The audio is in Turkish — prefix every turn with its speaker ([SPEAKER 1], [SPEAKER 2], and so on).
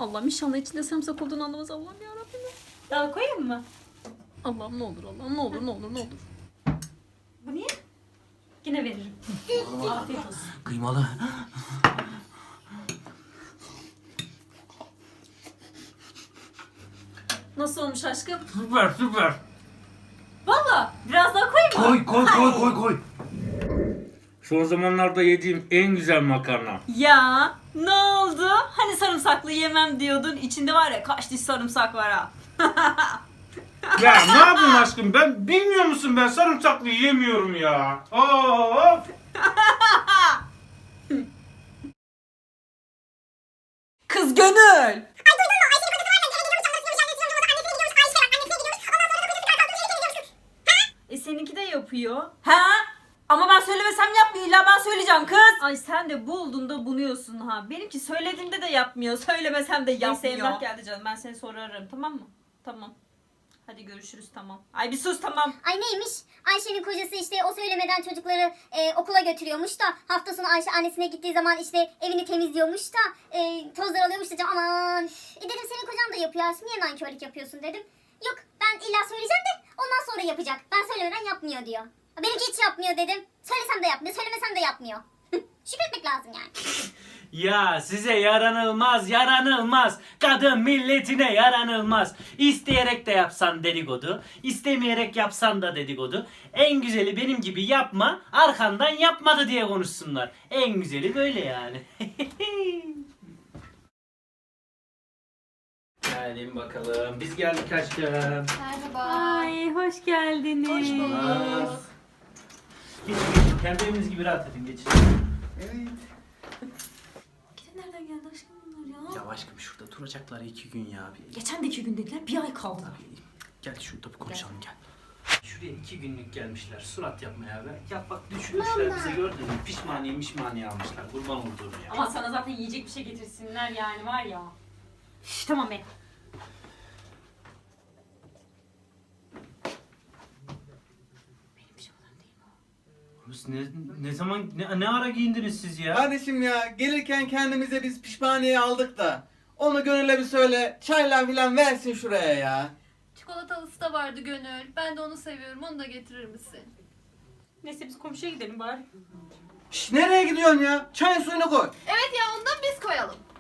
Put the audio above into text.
[SPEAKER 1] Allah'ım inşallah içinde sarımsak olduğunu anlamaz Allah'ım yarabbim.
[SPEAKER 2] Daha koyayım mı?
[SPEAKER 1] Allah'ım ne olur Allah'ım ne olur ne olur ne olur.
[SPEAKER 2] Bu niye? Yine veririm. Afiyet olsun.
[SPEAKER 3] Kıymalı.
[SPEAKER 1] Nasıl olmuş aşkım?
[SPEAKER 3] Süper süper.
[SPEAKER 2] Valla biraz daha koyayım mı?
[SPEAKER 3] Koy. Son zamanlarda yediğim en güzel makarna.
[SPEAKER 2] Ya ne oldu? Hani sarımsaklı yemem diyordun. İçinde var ya kaç diş sarımsak var ha.
[SPEAKER 3] Ya ne yapayım aşkım, ben bilmiyor musun, ben sarımsaklı yemiyorum ya. Of.
[SPEAKER 2] Kız gönül. Seninki de yapıyor. Ha? Ama ben söylemesem yapmıyor. İlla ben söyleyeceğim kız. Ay sen de bulduğunda bunuyorsun ha. Benimki söylediğimde de yapmıyor. Söylemesem de yapmıyor. Neyse Emrah geldi canım. Ben seni sonra ararım, tamam mı? Tamam. Hadi görüşürüz, tamam. Ay bir sus, tamam.
[SPEAKER 4] Ay neymiş? Ayşe'nin kocası işte o söylemeden çocukları okula götürüyormuş da hafta sonu Ayşe annesine gittiği zaman işte evini temizliyormuş da tozlar alıyormuş da aman. Dedim senin kocan da yapıyor Ayşe, niye nankörlük yapıyorsun dedim. Yok ben illa söyleyeceğim de ondan sonra yapacak. Ben söylemeden yapmıyor diyor. Benimki hiç yapmıyor dedim. Söylesem de yapmıyor, söylemesem de yapmıyor. Şükretmek lazım yani.
[SPEAKER 3] Ya size yaranılmaz. Kadın milletine yaranılmaz. İsteyerek de yapsan dedikodu, istemeyerek yapsan da dedikodu. En güzeli benim gibi yapma, arkandan yapmadı diye konuşsunlar. En güzeli böyle yani. Gelin bakalım. Biz geldik aşkım.
[SPEAKER 5] Merhaba.
[SPEAKER 2] Ay hoş geldiniz.
[SPEAKER 5] Hoş bulduk.
[SPEAKER 3] Geçin. Kendi eviniz gibi rahat edin, geçin. Evet.
[SPEAKER 2] Nereden geldi aşkım bunlar ya?
[SPEAKER 3] Ya aşkım şurada duracaklar 2 gün ya.
[SPEAKER 2] Geçen de 2 gün dediler, bir ay kaldı.
[SPEAKER 3] Gel şurada bir konuşalım gel. Şuraya 2 günlük gelmişler surat yapmaya be. Ya bak düşmüşler bizi gördün mü? Pişmaniye almışlar, kurban olduğum ya.
[SPEAKER 2] Ama sana zaten yiyecek bir şey getirsinler yani, var ya. Üf, tamam be. Benim pijamalarım değil mi o?
[SPEAKER 3] Biz ne zaman ne ara giyindiniz siz ya?
[SPEAKER 6] Kardeşim ya gelirken kendimize biz pişmaniye aldık da onu Gönül'e bir söyle çayla filan versin şuraya ya.
[SPEAKER 5] Çikolatalısı da vardı Gönül. Ben de onu seviyorum. Onu da getirir misin?
[SPEAKER 2] Neyse biz komşuya gidelim bari.
[SPEAKER 6] Şş, nereye gidiyorsun ya? Çayın suyunu koy.
[SPEAKER 5] Evet ya ondan biz koyalım.